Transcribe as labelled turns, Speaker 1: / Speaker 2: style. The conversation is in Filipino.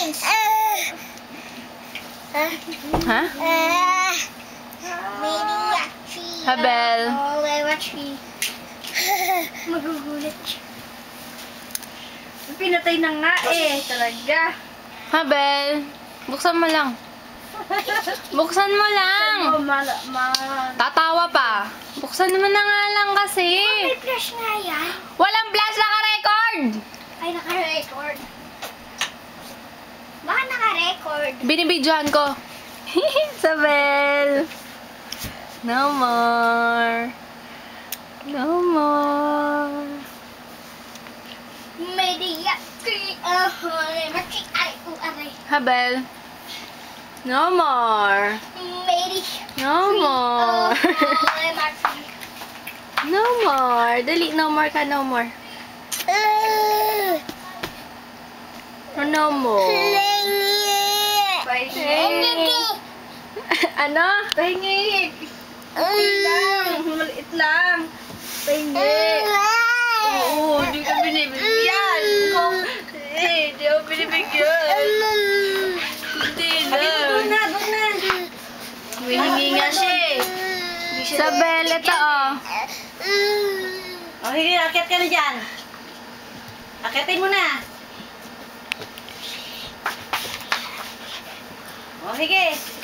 Speaker 1: Ha? Habel.
Speaker 2: Magugulat siya. Pinatay na nga eh, talaga.
Speaker 1: Habel. Buksan mo lang. Buksan mo lang. Tatawa pa. Buksan mo na nga lang kasi.
Speaker 2: May flash nga yan.
Speaker 1: Walang flash, naka-record.
Speaker 2: Ay, naka-record. Baka naka-record.
Speaker 1: Binibidyohan ko. Isabel. No more. No more. Habel. No more. No more. No more. Dali, no more ka, no more. No more. Ano?
Speaker 2: Pahingi. Okay lang. Maliit lang. Pahingi. Oo, di ka binibigyan. Di ako binibigyan. Hindi na. Doon na. Humihingi nga siya eh.
Speaker 1: Isabel, ito oh.
Speaker 2: O, sige, akit ka na dyan. Akitin mo na. O, sige.